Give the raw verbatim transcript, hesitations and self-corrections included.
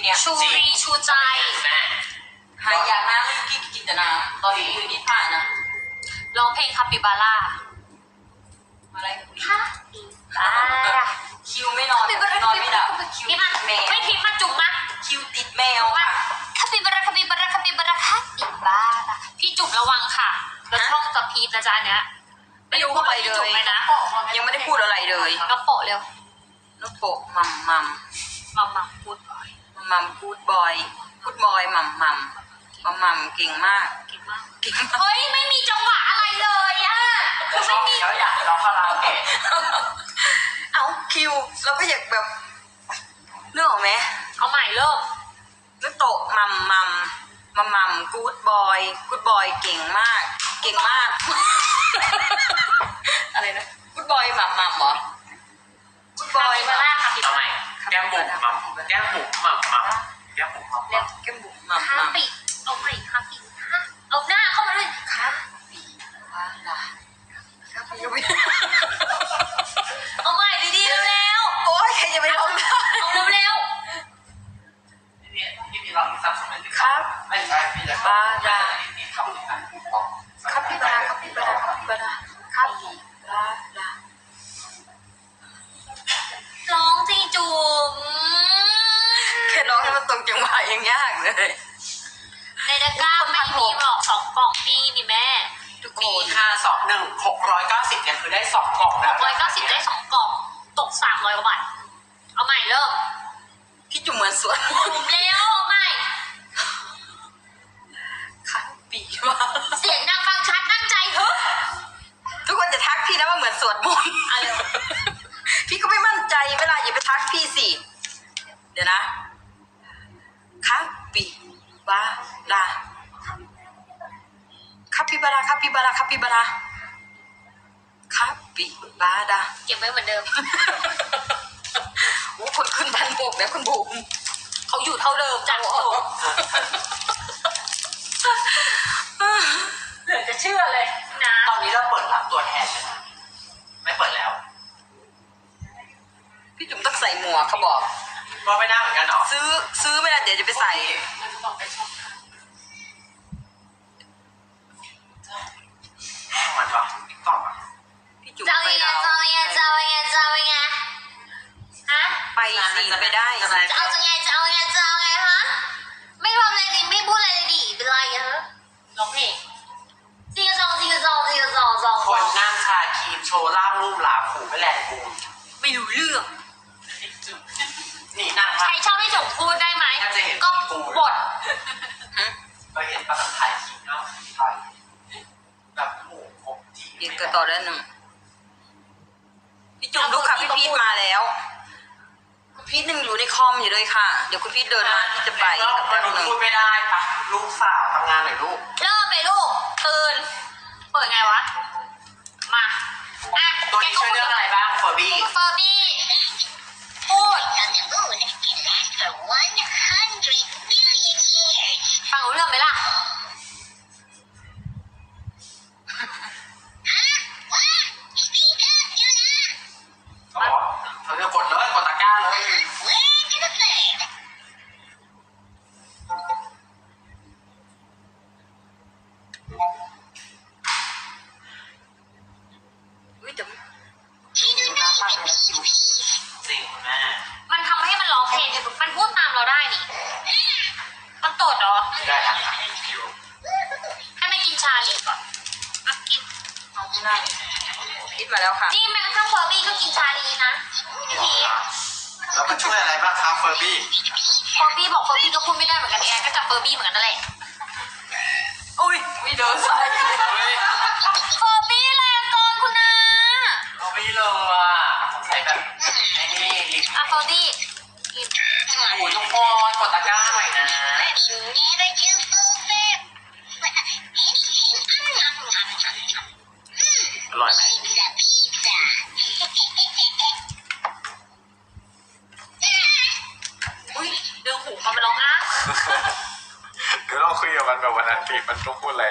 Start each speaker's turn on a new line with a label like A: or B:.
A: เนี่ย
B: ชูรีชูใจ
C: แม่
A: หายอยากน้ำไม่กินกินแต่น้ำตอนนี้คือนิทานนะ
B: ร้องเพลงคาปิบาร่า
A: อะไร
B: คาปิบาร่า
A: คิวไม่นอนนอนไม่หลับคิว
B: พี่
A: ติ
B: มา
A: ดแมว
B: ไม่พิมพ์มาจุ๋มมา
A: คิวติดแมวค่ะ
B: คาปิบาร่าคาปิบาร่าคาปิบาร่าคาปิบาร่าพี่จุ๋มระวังค่ะแล้วช่องจะพีบนะจ๊ะเนี้ย
A: ไม่รู้อะไรเล
B: จุ๋ม
A: ย
B: เลยนะ
A: ยังไม่ได้พูดอะไรเลย
B: กระโปะเร็ว
A: น้องโปะมัมมัม
B: มามาพูดบ่อย
A: มัมพูดบอยพูดบอยมัมมัมมัมมัมเก่งมาก
B: เก่งมาก
A: เก่งมาก
B: เฮ้ยไม่มีจังหวะอะไรเลยอะคือไม่มี
C: แล้วอยากร้องคาราโอเกะ
A: เอาคิวเราก็อยากแบบเรื่องออกไหม
B: เอาใหม่เริ่ม
A: น้องโตะมัมมัมมัมมัมกู๊ดบอยกู๊ดบอยเก่งมาก เก่งมาก อะไรนะกู๊ดบอยมัมมัมเหรอกู๊ดบอย
B: คาปิบาร่าคาปิ
C: เอา
B: บา
C: ใหม่
B: ร่า
C: แก้มบุ๋มมัมแก้มบุ๋มมัมมัมแก้มบุ๋มมัม
A: เรี
C: มั
A: ยก
C: ม
A: แก้มบุ๋มมัม
B: คา
A: มัม
B: ปิเอาใหม่คาปิฮะเอาหน้าเข้ามาด้วย
A: คาปีวาลาคาปีก็ไม่
B: เอาใหม่ดีๆเร็ว
A: โอ๊ยใครจะไปร้องได้
B: ๆเอาเร็ว
C: พี่พี่พี่มีร้องซับซ้อนไหม
A: ครับ
C: ไม่ใช่พี่จะ
A: บาดา
C: พี่ทำอีกอัน
A: คาปิบาราคาปิบาราคาปิบาราคาปิบารา
B: ๆร้องสิจุ๋ม
A: แค่ร้องให้มันตรงจังหวะยังยากเลย
B: ในตะกร้าไม่มีหรอกสองกล่องนี่นี่แม่
A: ทุกค
C: มี
A: น
C: ค่าสองหนึ่งหกร้อยเก้าสิบเนี่ยคือได้สองกล่อง
B: ห
C: แล้ว
B: กร้อยเก้าสิบได้สองกล่องตกสามร้อยกว่าบาทเอาใหม่เริ่ม
A: พี่จุ๋มเหมือนสวน
B: จุ๋มเร็วเอาใหม่
A: คาปีวา
B: เสียงดังฟังชัดตั้งใจเฮ้ย
A: ทุกคนจะทักพี่นะว่าเหมือนสวดมนต์
B: เอาเร็ว
A: พี่ก็ไม่มั่นใจเวลาอย่าไปทักพี่สิเดี๋ยวนะคาปิบาราคาปิบาราคาปิบาราคาปิบาราคาปิบารา
B: เก็บไว้เหมือนเดิม
A: โอ้คนขึ้นพันหกแล้วคุณบุ๋ม
B: เขาอยู่เท่าเดิมจ้ะเหลือจะเชื่อเลยนะ
C: ตอนนี้เราเปิดรับตัวแทนไหมไม่เปิดแล้ว
A: พี่จุ๋มต้องใส่หมวกเขาบอก
C: ก็ไม่ได้เหมือนกันเหรอ
A: ซื้อซื้อไม่ได้เดี๋ยวจะไปใส่
C: มันปะติ๊กต็อกอะ
A: พี่จุ๋ม
B: เจ้า
A: ไป
B: ยังไง
A: เรา
B: เจ้ายังไงเจ้ายังไงเจ้ายังไงฮะ
A: ไปสิไปได้
B: จะเอาจะไงจะเอาไงจะเอาไงฮะไม่ทำอะไรดิไม่พูดอะไรเลยดิเป็นไรฮะร้องเพลงจิกกะจองจิกกะจองจิกกะจองจอง
C: คนนั่งชาครีมโชว์ล่างรูปหลาผูไม่แลนบูน
A: ไม่รู้เรื่อง
C: นี่นั่ง
B: ใครชอบให้จุ๋มพูดได้ไหมก็บท
C: ก็เห็นปะถ่ายคลิปเนาะถ่ายแบบโอ้โหจี
A: เด็กก็ต่อได้หนึ่งพี่จุ๋มลูกค่ะพี่พีทมาแล้วคุณพีทยังอยู่ในคอมอยู่เลยค่ะ เดี๋ยวคุณพีทเดินมาที่จะไป
C: ก็
A: กับ
C: ม
A: แป๊บ
C: นุษ
A: หนึ่
C: ย์
A: ง
C: พูดไม่ได้ปะลูกสาวทำงานหน่อยลูก
B: เริ่มไปลูกตื่นเปิดไงวะมาอ่ะ
C: ตัวนี้ช่วยเรื่องอะไรบ้างเฟอร์บี้
B: เฟอร์บี้พูด
D: on the moon can last for one hundred billion years.
B: ฟังรู้เรื่องไหมล่ะ
D: Huh? What? Speak up, Yuna.
C: เขาบอกเธอจะกดเลยกดตะกร้าเลย
D: Where to the third?
A: อุ้ยแต่
D: You do not even be peace.
C: จริงคุณแม่
B: มันทำให้มันร้องเพลงมันพูดตามเราได้นี่ มันตดเหรอ
C: ได้ครับคิว
B: ให้ไม่กินชาลีก่อนอ่ะกิน
A: เอาที่นั่งพีทมาแล้วค่ะ
B: นี่แม้กระทั่งเฟอร์บี้ก็กินชาลีนะพี่พี
C: แล้วมันช่วยอะไรบ้างครับเฟอร์บี้
B: เฟอร์บี้บอกเฟอร์บี้ก็พูดไม่ได้เหมือนกันแอนก็จับเฟอร์บี้เหมือนกันนั่นแหละ
A: อุ้ยไม่เดินใส่
B: เฟอร์บี้แรงเกินคุณนา
C: เราไม่เลยอ่ะสงสัยแบบไอ้นี่ลิป
B: อ่ะเฟอร์บี้กิน
C: โอ้ยทุกคนกดตะกร้าหน่อยนะ
D: You never do fulfill. Nom, nom, nom, nom.
C: อร่อยไหม
D: Pizza, pizza.
B: อุ้ยดึงหูมันมาร้องอ้า
E: เดี๋ยวเราคุยกับมันแบบวันนั้นปีมันต้องพูดอะไร